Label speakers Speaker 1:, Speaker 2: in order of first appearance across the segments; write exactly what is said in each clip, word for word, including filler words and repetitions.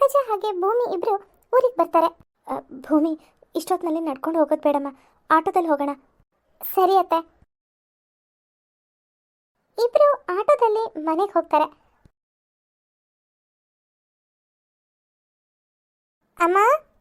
Speaker 1: ಪಂಕಜ ಹಾಗೆ ಭೂಮಿ ಇಬ್ರು ಊರಿಗೆ ಬರ್ತಾರೆ. ಅ, ಭೂಮಿ, ಇಷ್ಟೊತ್ತಿನಲ್ಲಿ ನಡ್ಕೊಂಡು ಹೋಗೋದು ಬೇಡಮ್ಮ, ಆಟೋದಲ್ಲಿ ಹೋಗೋಣ. ಸರಿ ಅತ್ತೆ. ಇಬ್ರು ಆಟೋದಲ್ಲಿ ಮನೆಗೆ ಹೋಗ್ತಾರೆ. ಅಮ್ಮ,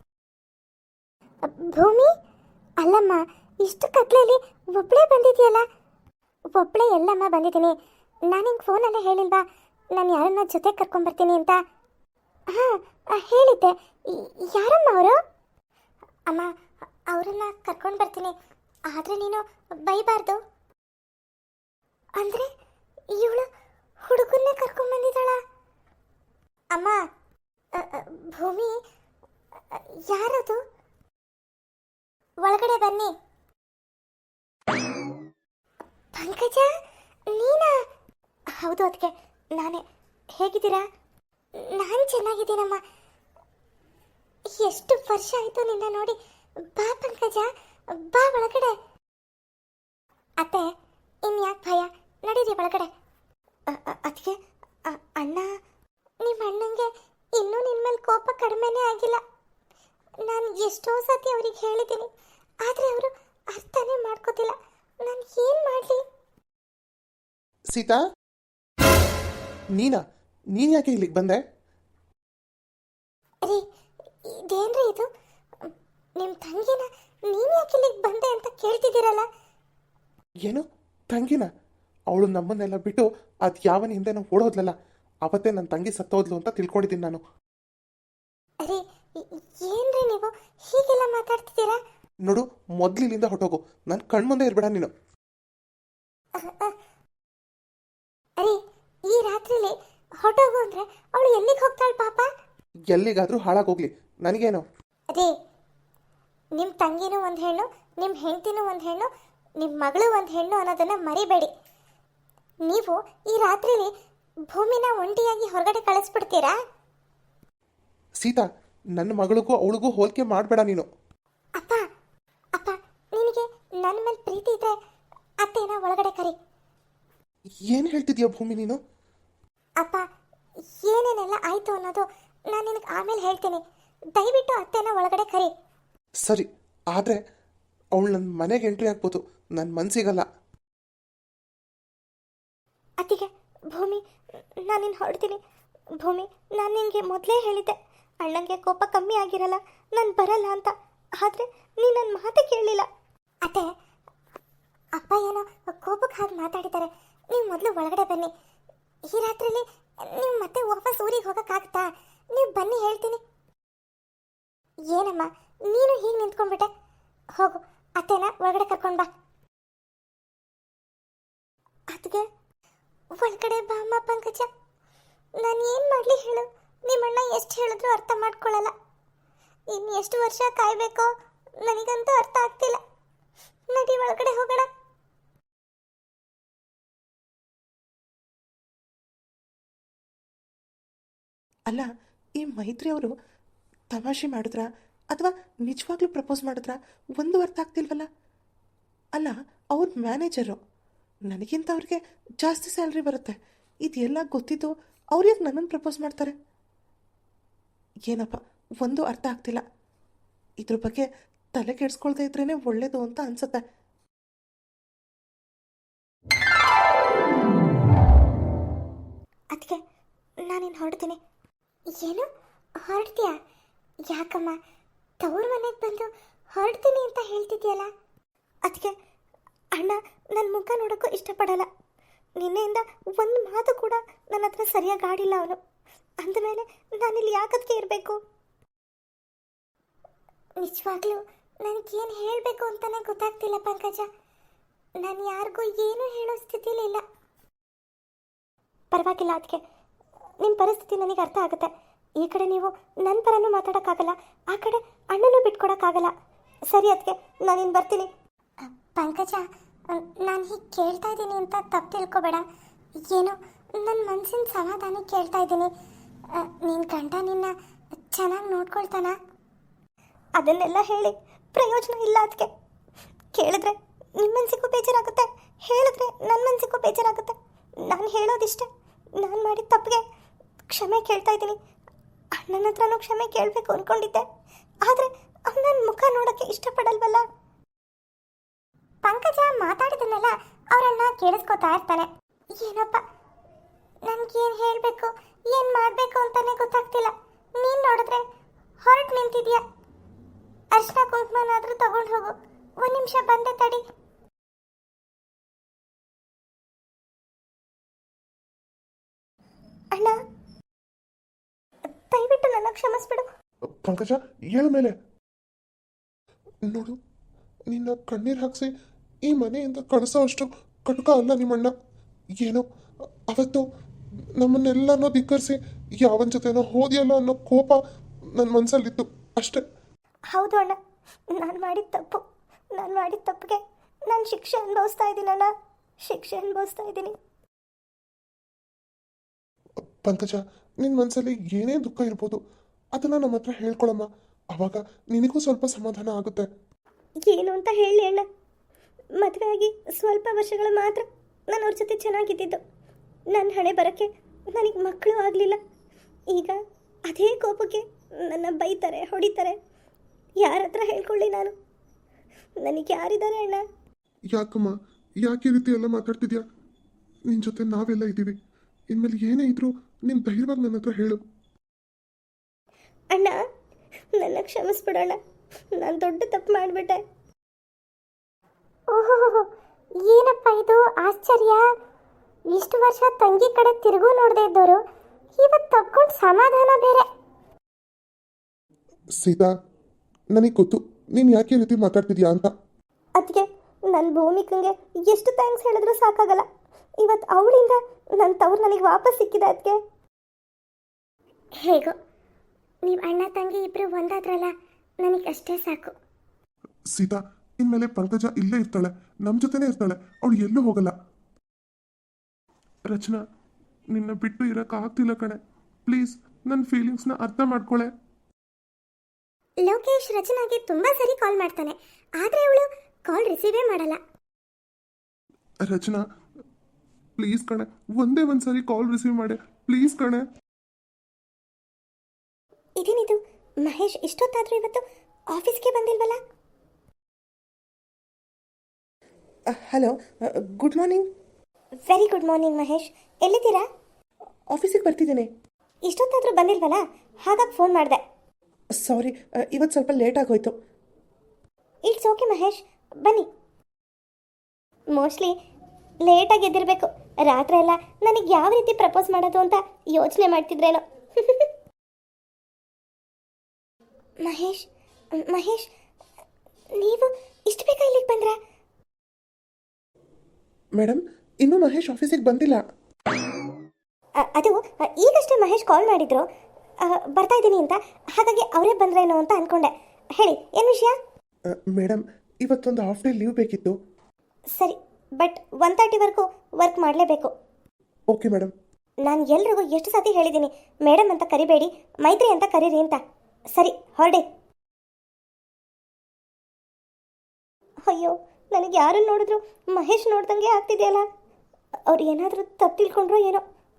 Speaker 1: ಭೂಮಿ, ಅಲ್ಲಮ್ಮ, ಇಷ್ಟು ಕತ್ಲೆಯಲ್ಲಿ ಒಬ್ಬಳೇ ಬಂದಿದೆಯಲ್ಲ? ಒಬ್ಬಳೇ ಎಲ್ಲಮ್ಮ ಬಂದಿದ್ದೀನಿ. ನಾನು ಹಿಂಗೆ ಫೋನಲ್ಲೇ ಹೇಳಿಲ್ವಾ ನಾನು ಯಾರನ್ನ ಜೊತೆ ಕರ್ಕೊಂಡ್ಬರ್ತೀನಿ ಅಂತ? ಹಾಂ, ಹೇಳಿದ್ದೆ. ಯಾರಮ್ಮ ಅವರು? ಅಮ್ಮ, ಅವರನ್ನ ಕರ್ಕೊಂಡು ಬರ್ತೀನಿ, ಆದರೆ ನೀನು ಬೈಬಾರ್ದು. ಅಂದರೆ ಇವಳು ಹುಡುಗನ್ನೇ ಕರ್ಕೊಂಡ್ಬಂದಿದ್ದಾಳ? ಅಮ್ಮ, ಭೂಮಿ, ಯಾರದು? ಒಳಗಡೆ ಬನ್ನಿ. ಪಂಕಜ, ನೀನಾ? ಹೌದು ಅದಕ್ಕೆ ನಾನೇ. ಹೇಗಿದ್ದೀರಾ? ನಾನು ಚೆನ್ನಾಗಿದ್ದೀನಮ್ಮ. ಎಷ್ಟು ವರ್ಷ ಆಯಿತು ನಿನ್ನ ನೋಡಿ. ಬಾ ಪಂಕಜ, ಬಾ ಒಳಗಡೆ. ಅತ್ತೆ, ಇನ್ಯಾಕೆ ಭಯ, ನಡೀರಿ ಒಳಗಡೆ. ಅದಕ್ಕೆ ಅಣ್ಣ, ನಿಮ್ಮ ಅಣ್ಣಂಗೆ ಇನ್ನೂ ನಿನ್ನ ಮೇಲೆ ಕೋಪ ಕಡಿಮೆನೇ ಆಗಿಲ್ಲ. ನಾನು ಎಷ್ಟೋ ಸತಿ ಅವ್ರಿಗೆ ಹೇಳಿದ್ದೀನಿ, ಆದರೆ ಅವರು ಅರ್ಥನೇ ಮಾಡ್ಕೋತಿಲ್ಲ. ನಾನು ಏನು ಮಾಡಲಿ?
Speaker 2: ಸೀತಾ, ನೀನಾ? ನೀನು ಯಾಕೆ ಇಲ್ಲಿಗೆ ಬಂದೆ?
Speaker 1: ರೀ, ಇದೇನ್ರಿ ಇದು? ನಿಮ್ಮ ತಂಗಿನ ನೀನು ಯಾಕೆ ಇಲ್ಲಿಗೆ ಬಂದೆ ಅಂತ ಕೇಳ್ತಿದ್ದೀರಲ್ಲ?
Speaker 2: ಏನು ತಂಗಿನ? ಅವಳು ನಮ್ಮನ್ನೆಲ್ಲ ಬಿಟ್ಟು ಅದು ಯಾವನ ಹಿಂದೆ ನಾವು ಓಡೋದ್ಲಲ್ಲ, ಅವತ್ತೇ ನನ್ನ ತಂಗಿ ಸತ್ತೋದ್ಲು ಅಂತ ತಿಳ್ಕೊಂಡಿದ್ದೀನಿ ನಾನು.
Speaker 1: ಅರೆ, ಏನ್ರಿ ನೀವು ಹೀಗೆಲ್ಲ ಮಾತಾಡ್ತಿದ್ದೀರಾ?
Speaker 2: ನೋಡು, ಮೊದಲಿನಿಂದ ಹೊಟ್ಟೋಗು, ನನ್ನ ಕಣ್ಮುಂದೆ ಇರ್ಬೇಡ ನೀನು.
Speaker 1: ಅರೆ, ಈ ರಾತ್ರಿಲಿ ಹೊಟ್ಟೋಗು ಅಂದ್ರೆ ಅವಳು ಎಲ್ಲಿಗೆ ಹೋಗ್ತಾಳೆ ಪಾಪ?
Speaker 2: ಎಲ್ಲಿಗಾದ್ರೂ ಹಾಳಾಗೋಗ್ಲಿ, ನನಗೇನು?
Speaker 1: ಅದೇ, ನಿಮ್ಮ ತಂಗಿನೂ ಒಂದು ಹೆಣ್ಣು, ನಿಮ್ಮ ಹೆಂಡತಿನೂ ಒಂದು ಹೆಣ್ಣು, ನಿಮ್ಮ ಮಗಳು ಒಂದು ಹೆಣ್ಣು ಅನ್ನೋದನ್ನ ಮರಿಬೇಡಿ. ನೀವು ಈ ರಾತ್ರಿಲಿ ಭೂಮಿನ ಒಂಟಿಯಾಗಿ ಹೊರಗಡೆ ಕಳಿಸ್ಬಿಡ್ತೀರಾ?
Speaker 2: ಸೀತಾ, ನನ್ನ ಮಗಳಿಗೂ ಅವಳಿಗೂ ಹೋಲಿಕೆ ಮಾಡಬೇಡ ನೀನು.
Speaker 1: ಅಪ್ಪ, ಅಪ್ಪ, ನಿನಗೆ ನನ್ನ ಮೇಲೆ ಪ್ರೀತಿ ಇದ್ರೆ ಅತ್ತೇನ ಒಳಗಡೆ ಕರಿ.
Speaker 2: ಏನು ಹೇಳ್ತಿದ್ಯಾ ಭೂಮಿ ನೀನು?
Speaker 1: ಅಪ್ಪ, ಏನೇನೆಲ್ಲ ಆಯ್ತು ಅನ್ನೋದು ನಾನು ನಿನಗೆ ಆಮೇಲೆ ಹೇಳ್ತೀನಿ. ದಯವಿಟ್ಟು ಅತ್ತೇನ ಒಳಗಡೆ ಕರಿ.
Speaker 2: ಸರಿ, ಆದರೆ ಅವಳು ನನ್ನ ಮನೆಗೆ ಎಂಟ್ರಿ ಆಗ್ಬೋದು, ನನ್ನ ಮನಸ್ಸಿಗಲ್ಲ.
Speaker 1: ಅತ್ತಿಗೆ, ಭೂಮಿ, ನಾನು ನಿನ್ನ ಹೊರಡ್ತೀನಿ. ಭೂಮಿ, ನಾನು ನಿನಗೆ ಮೊದಲೇ ಹೇಳಿದ್ದೆ ಅಣ್ಣಂಗೆ ಕೋಪ ಕಮ್ಮಿ ಆಗಿರಲ್ಲ, ನಾನು ಬರಲ್ಲ ಅಂತ. ಆದರೆ ನೀನು ನನ್ನ ಮಾತೇ ಕೇಳಲಿಲ್ಲ. ಅತ್ತೆ, ಅಪ್ಪ ಏನೋ ಕೋಪಕ್ಕೆ ಹಾಗೆ ಮಾತಾಡಿದ್ದಾರೆ. ನೀವು ಮೊದಲು ಒಳಗಡೆ ಬನ್ನಿ. ಈ ರಾತ್ರಿಲಿ ನೀವು ಮತ್ತೆ ವಾಪಸ್ ಊರಿಗೆ ಹೋಗೋಕ್ಕಾಗುತ್ತಾ? ನೀವು ಬನ್ನಿ, ಹೇಳ್ತೀನಿ. ಏನಮ್ಮ ನೀನು ಹೀಗೆ ನಿಂತ್ಕೊಂಡ್ಬಿಟ್ಟೆ? ಹೋಗು, ಅತ್ತೆನ ಒಳಗಡೆ ಕರ್ಕೊಂಡು ಬಾ. ಅದಕ್ಕೆ ಒಳಗಡೆ ಬಾ ಅಮ್ಮ. ಪಂಕಜ, ನಾನು ಏನು ಮಾಡಲಿ ಹೇಳು? ನಿಮ್ಮಣ್ಣ ಎಷ್ಟು ಹೇಳಿದ್ರು ಅರ್ಥ ಮಾಡ್ಕೊಳ್ಳಲ್ಲ. ಇನ್ನು ಎಷ್ಟು ವರ್ಷ ಕಾಯಬೇಕೋ ನನಗಂತೂ ಅರ್ಥ ಆಗ್ತಿಲ್ಲ. ನಡಿ, ಒಳಗಡೆ ಹೋಗೋಣ.
Speaker 2: ಅಲ್ಲ, ಈ ಮೈತ್ರಿ ಅವರು ತಮಾಷೆ ಮಾಡಿದ್ರ ಅಥವಾ ನಿಜವಾಗ್ಲೂ ಪ್ರಪೋಸ್ ಮಾಡಿದ್ರ ಒಂದು ಅರ್ಥ ಆಗ್ತಿಲ್ವಲ್ಲ. ಅಲ್ಲ, ಅವ್ರ ಮ್ಯಾನೇಜರು, ನನಗಿಂತ ಅವ್ರಿಗೆ ಜಾಸ್ತಿ ಸ್ಯಾಲ್ರಿ ಬರುತ್ತೆ. ಇದೆಲ್ಲ ಗೊತ್ತಿದ್ದು ಅವ್ರು ಯಾಕೆ ನನ್ನನ್ನು ಪ್ರಪೋಸ್ ಮಾಡ್ತಾರೆ? ಏನಪ್ಪ, ಒಂದು ಅರ್ಥ ಆಗ್ತಿಲ್ಲ. ಇದ್ರ ಬಗ್ಗೆ ತಲೆ ಕೆಡಿಸ್ಕೊಳ್ತಾ ಇದ್ರೇ ಒಳ್ಳೇದು ಅಂತ ಅನ್ಸುತ್ತೆ.
Speaker 1: ಅದಕ್ಕೆ ನಾನಿನ್ನು ಹೊರಡ್ತೀನಿ. ಏನು ಹೊರಡ್ತೀಯಾ? ಯಾಕಮ್ಮ, ತವ್ರ ಮನೆಗೆ ಬಂದು ಹೊರಡ್ತೀನಿ ಅಂತ ಹೇಳ್ತಿದ್ಯಲ್ಲ? ಅದಕ್ಕೆ ಅಣ್ಣ ನನ್ನ ಮುಖ ನೋಡೋಕ್ಕೂ ಇಷ್ಟಪಡಲ್ಲ. ನಿನ್ನೆಯಿಂದ ಒಂದು ಮಾತು ಕೂಡ ನನ್ನ ಹತ್ರ ಸರಿಯಾಗಿ ಆಡಿಲ್ಲ ಅವನು. ಅಂದಮೇಲೆ ನಾನಿಲ್ಲಿ ಯಾಕದಕ್ಕೆ ಇರಬೇಕು? ನಿಜವಾಗ್ಲೂ ನನಗೇನು ಹೇಳಬೇಕು ಅಂತಲೇ ಗೊತ್ತಾಗ್ತಿಲ್ಲ ಪಂಕಜ. ನಾನು ಯಾರಿಗೂ ಏನೂ ಹೇಳೋ ಸ್ಥಿತಿಲಿ ಇಲ್ಲ. ಪರವಾಗಿಲ್ಲ ಅದಕ್ಕೆ, ನಿಮ್ಮ ಪರಿಸ್ಥಿತಿ ನನಗೆ ಅರ್ಥ ಆಗುತ್ತೆ. ಈ ಕಡೆ ನೀವು ನನ್ನ ಪರನೂ ಮಾತಾಡೋಕ್ಕಾಗಲ್ಲ, ಆ ಕಡೆ ಅಣ್ಣನೂ ಬಿಟ್ಕೊಡೋಕ್ಕಾಗಲ್ಲ. ಸರಿ ಅದಕ್ಕೆ ನಾನಿನ್ನು ಬರ್ತೀನಿ. ಪಂಕಜ, ನಾನು ಹೀಗೆ ಕೇಳ್ತಾ ಇದ್ದೀನಿ ಅಂತ ತಪ್ಪು ತಿಳ್ಕೊಬೇಡ. ಏನೋ ನನ್ನ ಮನಸ್ಸಿನ ಸಮಾಧಾನ ಕೇಳ್ತಾ ಇದ್ದೀನಿ. ನಿನ್ನ ಗಂಡ ನಿನ್ನ ಚೆನ್ನಾಗಿ ನೋಡ್ಕೊಳ್ತಾನ? ಅದನ್ನೆಲ್ಲ ಹೇಳಿ ಪ್ರಯೋಜನ ಇಲ್ಲ ಅದಕ್ಕೆ. ಕೇಳಿದ್ರೆ ನಿಮ್ಮ ಮನಸ್ಸಿಗೂ ಬೇಜಾರಾಗುತ್ತೆ, ಹೇಳಿದ್ರೆ ನನ್ನ ಮನಸ್ಸಿಗೂ ಬೇಜಾರಾಗುತ್ತೆ. ನಾನು ಹೇಳೋದಿಷ್ಟೇ, ನಾನು ಮಾಡಿದ ತಪ್ಪಿಗೆ ಕ್ಷಮೆ ಕೇಳ್ತಾ ಇದ್ದೀನಿ. ಅಣ್ಣನ ಹತ್ರನೂ ಕ್ಷಮೆ ಕೇಳಬೇಕು ಅಂದ್ಕೊಂಡಿದ್ದೆ, ಆದರೆ ನನ್ನ ಮುಖ ನೋಡೋಕ್ಕೆ ಇಷ್ಟಪಡಲ್ವಲ್ಲ. ಪಂಕಜ ಮಾತಾಡಿದನ್ನೆಲ್ಲ ಅವರನ್ನ ಕೇಳಿಸ್ಕೊತಾ ಇರ್ತಾನೆ. ಏನಪ್ಪ ನನ್ಗೇನು ಹೇಳಬೇಕು ಏನು ಮಾಡಬೇಕು ಅಂತಾನೆ ಗೊತ್ತಾಗ್ತಿಲ್ಲ. ನೀನು ನೋಡಿದ್ರೆ ಹೊರಟು ನಿಂತಿದ್ಯಾ. ಅರ್ಶನ ಕುಂಕುಮನಾದರೂ ತಗೊಂಡು ಹೋಗು. ಒಂದು ನಿಮಿಷ ಬಂದೆ ತಡಿ. ಅಣ್ಣ ದಯವಿಟ್ಟು ನನ್ನ ಕ್ಷಮಿಸ್ಬಿಡು.
Speaker 3: ಪಂಕಜ ಏಳ ಮೇಲೆ ನೋಡು, ನಿನ್ನ ಕಣ್ಣೀರು ಹಾಕಿಸಿ ಈ ಮನೆಯಿಂದ ಕಳಿಸೋ ಅಷ್ಟು ಕಟುಕ ಅಲ್ಲ ನಿಮ್ಮಣ್ಣ. ಏನೋ ಅವತ್ತು ನಮ್ಮನ್ನೆಲ್ಲನೋ ಧಿಕ್ಕರಿಸಿ ಯಾವನ ಜೊತೆನೋ ಹೋದಿಯಲ್ಲ ಅನ್ನೋ ಕೋಪ ನನ್ನ ಮನಸ್ಸಲ್ಲಿತ್ತು ಅಷ್ಟೇ.
Speaker 1: ಹೌದು ಅಣ್ಣ, ನಾನು ಮಾಡಿದ ತಪ್ಪು. ನಾನು ಮಾಡಿದ ತಪ್ಪಿಗೆ ನಾನು ಶಿಕ್ಷೆ ಅನುಭವಿಸ್ತಾ ಇದ್ದೀನಿ ಅಣ್ಣ, ಶಿಕ್ಷೆ ಅನುಭವಿಸ್ತಾ ಇದ್ದೀನಿ.
Speaker 3: ಪಂಕಜ, ನಿನ್ನ ಮನಸ್ಸಲ್ಲಿ ಏನೇ ದುಃಖ ಇರ್ಬೋದು, ಅದನ್ನು ನಮ್ಮ ಹತ್ರ ಹೇಳ್ಕೊಳಮ್ಮ. ಆವಾಗ ನಿನಗೂ ಸ್ವಲ್ಪ ಸಮಾಧಾನ ಆಗುತ್ತೆ.
Speaker 1: ಏನು ಅಂತ ಹೇಳಿ ಅಣ್ಣ, ಮದುವೆ ಆಗಿ ಸ್ವಲ್ಪ ವರ್ಷಗಳು ಮಾತ್ರ ನಾನು ಅವ್ರ ಜೊತೆ ಚೆನ್ನಾಗಿದ್ದಿದ್ದು. ನನ್ನ ಹಣೆ ಬರೋಕ್ಕೆ ನನಗೆ ಮಕ್ಕಳು ಆಗಲಿಲ್ಲ. ಈಗ ಅದೇ ಕೋಪಕ್ಕೆ ನನ್ನ ಬೈತಾರೆ, ಹೊಡಿತಾರೆ. ಯಾರ ಹತ್ರ ಹೇಳ್ಕೊಳ್ಳಿ ನಾನು? ನನಗೆ ಯಾರಿದ್ದಾರೆ ಅಣ್ಣ?
Speaker 3: ಯಾಕಮ್ಮ, ಯಾಕೆ ಈ ರೀತಿ ಎಲ್ಲ ಮಾತಾಡ್ತಿದ್ಯಾ? ನಿನ್ನ ಜೊತೆ ನಾವೆಲ್ಲ ಇದ್ದೀವಿ. ಇನ್ಮೇಲೆ ಏನೇ ಇದ್ರೂ ನೀನು ಧೈರ್ಯವಾಗಿ ನನ್ನ ಹತ್ರ ಹೇಳು.
Speaker 1: ಅಣ್ಣ ನನ್ನ ಕ್ಷಮಿಸ್ಬಿಡೋಣ, ನಾನು ದೊಡ್ಡ ತಪ್ಪು ಮಾಡಿಬಿಟ್ಟೆ. ಓಹೋ, ಏನಪ್ಪ ಇದು ಆಶ್ಚರ್ಯ. ಇಷ್ಟು ವರ್ಷ ತಂಗಿ ಕಡೆ ತಿರುಗು ನೋಡದೆ ಇದ್ದವರು ಇವತ್ತು ತಕ್ಕೊಂಡು ಸಮಾಧಾನ ಬೇರೆ.
Speaker 3: ಸೀತಾ, ನನಗೆ ಗೊತ್ತು ನೀನು ಯಾಕೆ ಈ ರೀತಿ ಮಾತಾಡ್ತಿದ್ಯಾ ಅಂತ.
Speaker 1: ಅದಕ್ಕೆ ನನ್ನ ಭೂಮಿಕಂಗೆ ಎಷ್ಟು ಥ್ಯಾಂಕ್ಸ್ ಹೇಳಿದ್ರು ಸಾಕಾಗಲ್ಲ. ಇವತ್ತು ಅವಳಿಂದ ನನ್ನ ತವ್ರು ನನಗೆ ವಾಪಸ್ ಸಿಕ್ಕಿದೆ. ಅದಕ್ಕೆ ಹೇಗೋ ನೀವು ಅಣ್ಣ ತಂಗಿ ಇಬ್ಬರು ಒಂದಾದ್ರಲ್ಲ, ನನಗೆ ಅಷ್ಟೇ ಸಾಕು.
Speaker 3: ಸೀತಾ, ಇನ್ಮೇಲೆ ಪಂಕಜ ಇಲ್ಲೇ ಇರ್ತಾಳೆ, ನಮ್ಮ ಜೊತೆನೇ ಇರ್ತಾಳೆ, ಅವಳು ಎಲ್ಲೂ ಹೋಗಲ್ಲ. ರಚನಾ, ನಿನ್ನ ಬಿಟ್ಟು ಇರೋಕ್ಕಾಗ್ತಿಲ್ಲ ಕಣೆ. ಪ್ಲೀಸ್ ನನ್ನ ಫೀಲಿಂಗ್ಸ್ನ ಅರ್ಥ ಮಾಡ್ಕೊಳೆ.
Speaker 1: ಲೋಕೇಶ್ ರಚನಾಗೆ ತುಂಬ ಸರಿ ಕಾಲ್ ಮಾಡ್ತಾನೆ, ಆದರೆ ಅವಳು ಕಾಲ್ ರಿಸೀವೇ ಮಾಡಲ್ಲ.
Speaker 3: ರಚನಾ ಪ್ಲೀಸ್ ಕಣೆ, ಒಂದೇ ಒಂದ್ಸರಿ ಕಾಲ್ ರಿಸೀವ್ ಮಾಡೆ, ಪ್ಲೀಸ್ ಕಣೆ.
Speaker 1: ಇದೇನಿದು, ಮಹೇಶ್ ಇಷ್ಟೊತ್ತಾದರೂ ಇವತ್ತು ಆಫೀಸ್ಗೆ ಬಂದಿಲ್ವಲ್ಲ?
Speaker 2: Hello, good morning.
Speaker 1: Very good morning Mahesh, ಎಲ್ಲಿದ್ದೀರಾ?
Speaker 2: ಆಫೀಸಿಗೆ ಬರ್ತಿದ್ದೇನೆ.
Speaker 1: ಇಷ್ಟೊತ್ತಾದರೂ ಬಂದಿಲ್ವಲ್ಲ, ಹಾಗಾಗಿ ಫೋನ್ ಮಾಡಿದೆ.
Speaker 2: ಸಾರಿ, ಇವತ್ತು ಸ್ವಲ್ಪ ಲೇಟ್ ಆಗೋಯ್ತು.
Speaker 1: ಇಟ್ಸ್ ಓಕೆ ಮಹೇಶ್, ಬನ್ನಿ. ಮೋಸ್ಟ್ಲಿ ಲೇಟಾಗಿ ಎದ್ದಿರಬೇಕು. ರಾತ್ರಿ ಎಲ್ಲ ನನಗೆ ಯಾವ ರೀತಿ ಪ್ರಪೋಸ್ ಮಾಡೋದು ಅಂತ ಯೋಚನೆ ಮಾಡ್ತಿದ್ರೇನೋ. ಮಹೇಶ್ ಮಹೇಶ್ ನೀವು ಇಷ್ಟು ಬೇಗ ಇಲ್ಲಿಗೆ ಬಂದ್ರಾ?
Speaker 2: ಮೇಡಮ್, ಇನ್ನೂ ಮಹೇಶ್ ಆಫೀಸಿಗೆ ಬಂದಿಲ್ಲ.
Speaker 1: ಅ- ಅದು ಅ, ಈಗಷ್ಟೇ ಮಹೇಶ್ ಕಾಲ್ ಮಾಡಿದ್ರು, ಅ, ಬರ್ತಾ ಇದ್ದೀನಿ ಅಂತ. ಹಾಗಾಗಿ ಅವರೇ ಬಂದ್ರೇನೋ ಅಂತ ಅನ್ಕೊಂಡೆ. ಹೇಳಿ, ಏನು ವಿಷಯ?
Speaker 2: ಮೇಡಮ್, ಇವತ್ತೊಂದು ಹಾಫ್ ಡೇ ಲೀವ್ ಬೇಕಿತ್ತು.
Speaker 1: ಸರಿ, ಬಟ್ ಒನ್ ತರ್ಟಿವರೆಗೂ ವರ್ಕ್ ಮಾಡಲೇಬೇಕು.
Speaker 2: Okay madam.
Speaker 1: ನಾನು ಎಲ್ರಿಗೂ ಎಷ್ಟು ಸತಿ ಹೇಳಿದ್ದೀನಿ, ಮೇಡಮ್ ಅಂತ ಕರಿಬೇಡಿ, ಮೈತ್ರಿ ಅಂತ ಕರೀರಿ ಅಂತ. ಸರಿ, ಹೊರಡಿ. ಅಯ್ಯೋ, ನನಗೆ ಯಾರನ್ನು ನೋಡಿದ್ರು ಮಹೇಶ್ ನೋಡ್ದಂಗೆ ಆಗ್ತಿದೆಯಲ್ಲ. ಅವ್ರು ಏನಾದರೂ ತಪ್ಪು ತಿಳ್ಕೊಂಡ್ರೋ ಏನೋ.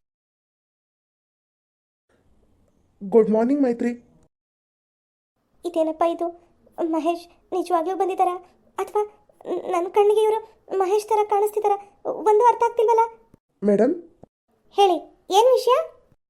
Speaker 2: ಗುಡ್ ಮಾರ್ನಿಂಗ್ ಮೈತ್ರಿ.
Speaker 1: ಇದೇನಪ್ಪ ಇದು? ಮಹೇಶ್ ನಿಜವಾಗ್ಲೂ ಬಂದಿದ್ದಾರಾ ಅಥವಾ ನನ್ನ ಕಣ್ಣಿಗೆ ಇವರು ಮಹೇಶ್ ಥರ ಕಾಣಿಸ್ತಿದ್ದಾರಾ? ಒಂದು ಅರ್ಥ ಆಗ್ತಿಲ್ವಲ್ಲ.
Speaker 2: ಮೇಡಮ್,
Speaker 1: ಹೇಳಿ, ಏನು ವಿಷಯ?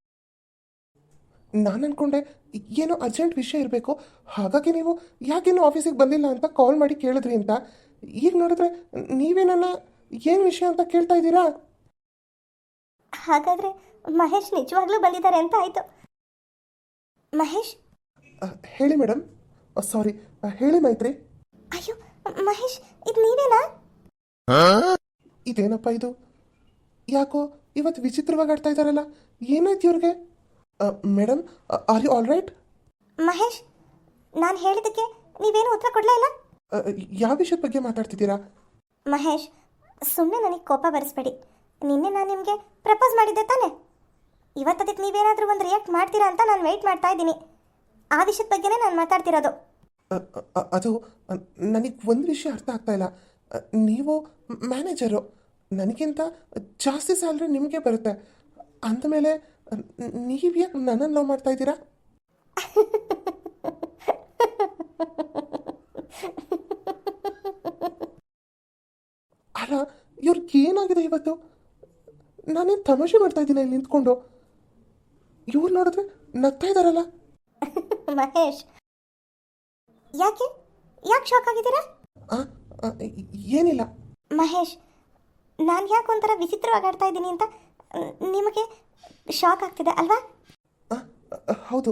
Speaker 2: ನಾನು ಅನ್ಕೊಂಡೆ ಏನೋ ಅರ್ಜೆಂಟ್ ವಿಷಯ ಇರಬೇಕು, ಹಾಗಾಗಿ ನೀವು ಯಾಕೇನು ಆಫೀಸಿಗೆ ಬಂದಿಲ್ಲ ಅಂತ ಕಾಲ್ ಮಾಡಿ ಕೇಳಿದ್ರಿ ಅಂತ. ಈಗ ನೋಡಿದ್ರೆ ನೀವೇ ನನ್ನ ಏನು ವಿಷಯ ಅಂತ ಕೇಳ್ತಾ ಇದ್ದೀರಾ?
Speaker 1: ಹಾಗಾದರೆ ಮಹೇಶ್ ನಿಜವಾಗ್ಲೂ ಬಂದಿದ್ದಾರೆ ಅಂತ ಆಯಿತು. ಮಹೇಶ್?
Speaker 2: ಅಹ್, ಹೇಳಿ ಮೇಡಮ್. ಸಾರಿ, ಹೇಳಿ ಮೈತ್ರಿ.
Speaker 1: ಅಯ್ಯೋ ಮಹೇಶ್, ಇದು ನೀವೇನಾ?
Speaker 2: ಇದೇನಪ್ಪ ಇದು? ಯಾಕೋ ಇವತ್ತು ವಿಚಿತ್ರವಾಗಿ ಆಡ್ತಾ ಇದ್ದಾರಲ್ಲ, ಏನಾಯ್ತು ಇವ್ರಿಗೆ? Madam, are you all right?
Speaker 1: Mahesh, ನಾನು ಹೇಳಿದ್ದಕ್ಕೆ ನೀವೇನು ಉತ್ತರ ಕೊಡಲೇ ಇಲ್ಲ.
Speaker 2: ಯಾವ ವಿಷಯದ ಬಗ್ಗೆ ಮಾತಾಡ್ತಿದ್ದೀರಾ?
Speaker 1: ಮಹೇಶ್, ಸುಮ್ಮನೆ ನನಗೆ ಕೋಪ ಬರೆಸ್ಬೇಡಿ. ನಿನ್ನೆ ನಾನು ನಿಮಗೆ ಪ್ರಪೋಸ್ ಮಾಡಿದ್ದೆ ತಾನೆ? ಇವತ್ತದಕ್ಕೆ ನೀವೇನಾದರೂ ಒಂದು ರಿಯಾಕ್ಟ್ ಮಾಡ್ತೀರಾ ಅಂತ ನಾನು ವೆಯ್ಟ್ ಮಾಡ್ತಾ ಇದ್ದೀನಿ. ಆ ವಿಷಯದ ಬಗ್ಗೆನೇ ನಾನು ಮಾತಾಡ್ತಿರೋದು.
Speaker 2: ಅ, ಅ, ಅದು ನನಗೆ ಒಂದು ವಿಷಯ ಅರ್ಥ ಆಗ್ತಾ ಇಲ್ಲ. ಅ, ನೀವು ಮ್ಯಾನೇಜರು, ನನಗಿಂತ ಜಾಸ್ತಿ ಸ್ಯಾಲ್ರಿ ನಿಮಗೆ ಬರುತ್ತೆ. ಅಂದಮೇಲೆ ನೀವು ಯಾಕೆ ನನ್ನನ್ನು ಲವ್ ಮಾಡ್ತಾ ಇದ್ದೀರಾ?
Speaker 3: ಅಲ್ಲ ಇವ್ರಿಗೆ ಏನಾಗಿದೆ ಇವತ್ತು? ನಾನೇನು ತಮಾಷೆ ಮಾಡ್ತಾ ಇದ್ದೀನಿ ಇಲ್ಲಿ ನಿಂತ್ಕೊಂಡು. ಇವ್ರು ನೋಡಿದ್ರೆ ನಗ್ತಾ ಇದ್ದಾರಲ್ಲ.
Speaker 1: ಮಹೇಶ್, ಯಾಕೆ ಯಾಕೆ ಶಾಕ್ ಆಗಿದ್ದೀರಾ?
Speaker 3: ಆ, ಆ, ಏನಿಲ್ಲ.
Speaker 1: ಮಹೇಶ್, ನಾನು ಯಾಕೆ ಒಂಥರ ವಿಚಿತ್ರವಾಗಿ ಆಡ್ತಾ ಇದ್ದೀನಿ ಅಂತ ಮ್, ನಿಮಗೆ ಶಾಕ್ ಆಗ್ತಿದೆ ಅಲ್ವಾ?
Speaker 3: ಆ, ಆ, ಹೌದು.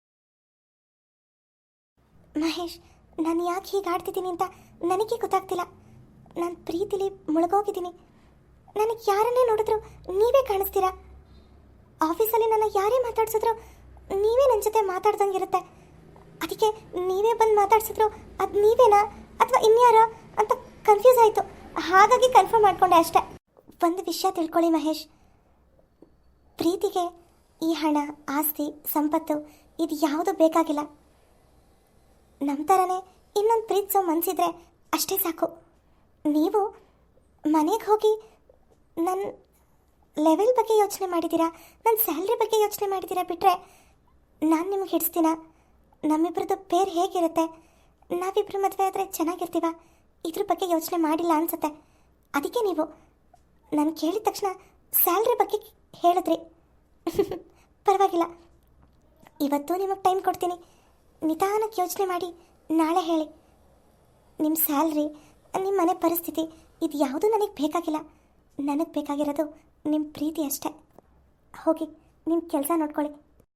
Speaker 1: ಮಹೇಶ್, ನಾನು ಯಾಕೆ ಹೀಗೆ ಆಡ್ತಿದ್ದೀನಿ ಅಂತ ನನಗೆ ಗೊತ್ತಾಗ್ತಿಲ್ಲ. ನಾನು ಪ್ರೀತಿಲಿ ಮುಳುಗೋಗಿದ್ದೀನಿ. ನನಗೆ ಯಾರನ್ನೇ ನೋಡಿದ್ರು ನೀವೇ ಕಾಣಿಸ್ತೀರಾ. ಆಫೀಸಲ್ಲಿ ನನ್ನ ಯಾರೇ ಮಾತಾಡ್ಸಿದ್ರು ನೀವೇ ನನ್ನ ಜೊತೆ ಮಾತಾಡ್ದಂಗಿರುತ್ತೆ. ಅದಕ್ಕೆ ನೀವೇ ಬಂದು ಮಾತಾಡ್ಸಿದ್ರು ಅದು ನೀವೇನಾ ಅಥವಾ ಇನ್ಯಾರ ಅಂತ ಕನ್ಫ್ಯೂಸ್ ಆಯಿತು. ಹಾಗಾಗಿ ಕನ್ಫರ್ಮ್ ಮಾಡಿಕೊಂಡೆ ಅಷ್ಟೇ. ಒಂದು ವಿಷಯ ತಿಳ್ಕೊಳ್ಳಿ ಮಹೇಶ್, ಪ್ರೀತಿಗೆ ಈ ಹಣ, ಆಸ್ತಿ, ಸಂಪತ್ತು ಇದು ಯಾವುದು ಬೇಕಾಗಿಲ್ಲ. ನಮ್ಮ ಥರನೇ ಇನ್ನೊಂದು ಪ್ರೀತಿಸೋ ಮನಸ್ಸಿದ್ರೆ ಅಷ್ಟೇ ಸಾಕು. ನೀವು ಮನೆಗೆ ಹೋಗಿ ನನ್ನ ಲೆವೆಲ್ ಬಗ್ಗೆ ಯೋಚನೆ ಮಾಡಿದ್ದೀರಾ, ನನ್ನ ಸ್ಯಾಲ್ರಿ ಬಗ್ಗೆ ಯೋಚನೆ ಮಾಡಿದ್ದೀರಾ ಬಿಟ್ಟರೆ ನಾನು ನಿಮಗೆ ಹಿಡಿಸ್ತೀನ? ನಮ್ಮಿಬ್ಬರದ್ದು ಪೇರ್ ಹೇಗಿರುತ್ತೆ, ನಾವಿಬ್ಬರು ಮದುವೆ ಆದರೆ ಚೆನ್ನಾಗಿರ್ತೀವ, ಇದ್ರ ಬಗ್ಗೆ ಯೋಚನೆ ಮಾಡಿಲ್ಲ ಅನಿಸುತ್ತೆ. ಅದಕ್ಕೆ ನೀವು ನಾನು ಕೇಳಿದ ತಕ್ಷಣ ಸ್ಯಾಲ್ರಿ ಬಗ್ಗೆ ಹೇಳಿದ್ರಿ. ಪರವಾಗಿಲ್ಲ, ಇವತ್ತು ನಿಮಗೆ ಟೈಮ್ ಕೊಡ್ತೀನಿ. ನಿಧಾನಕ್ಕೆ ಯೋಚನೆ ಮಾಡಿ ನಾಳೆ ಹೇಳಿ. ನಿಮ್ಮ ಸ್ಯಾಲ್ರಿ, ನಿಮ್ಮ ಮನೆ ಪರಿಸ್ಥಿತಿ ಇದು ಯಾವುದೂ ನನಗೆ ಬೇಕಾಗಿಲ್ಲ. ನನಗೆ ಬೇಕಾಗಿರೋದು ನಿಮ್ಮ ಪ್ರೀತಿ ಅಷ್ಟೇ. ಹೋಗಿ ನಿಮ್ಮ ಕೆಲಸ ನೋಡ್ಕೊಳ್ಳಿ.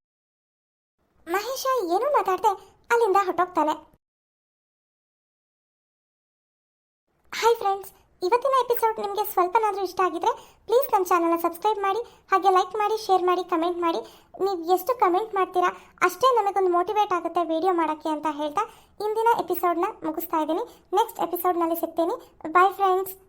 Speaker 1: ಮಹೇಶ ಏನೂ ಮಾತಾಡ್ದೆ ಅಲ್ಲಿಂದ ಹೊಟ್ಟೋಗ್ತಾನೆ. ಹಾಯ್ ಫ್ರೆಂಡ್ಸ್, ಇವತ್ತಿನ ಎಪಿಸೋಡ್ ನಿಮಗೆ ಸ್ವಲ್ಪನಾದರೂ ಇಷ್ಟ ಆಗಿದ್ರೆ ಪ್ಲೀಸ್ ನಮ್ಮ ಚಾನಲ್ನ ಸಬ್ಸ್ಕ್ರೈಬ್ ಮಾಡಿ, ಹಾಗೆ ಲೈಕ್ ಮಾಡಿ, ಶೇರ್ ಮಾಡಿ, ಕಮೆಂಟ್ ಮಾಡಿ. ನೀವು ಎಷ್ಟು ಕಮೆಂಟ್ ಮಾಡ್ತೀರಾ ಅಷ್ಟೇ ನಮಗೊಂದು ಮೋಟಿವೇಟ್ ಆಗುತ್ತೆ ವಿಡಿಯೋ ಮಾಡೋಕ್ಕೆ ಅಂತ ಹೇಳ್ತಾ ಇಂದಿನ ಎಪಿಸೋಡ್ನ ಮುಗಿಸ್ತಾ ಇದ್ದೀನಿ. ನೆಕ್ಸ್ಟ್ ಎಪಿಸೋಡ್ನಲ್ಲಿ ಸಿಗ್ತೀನಿ. Bye friends.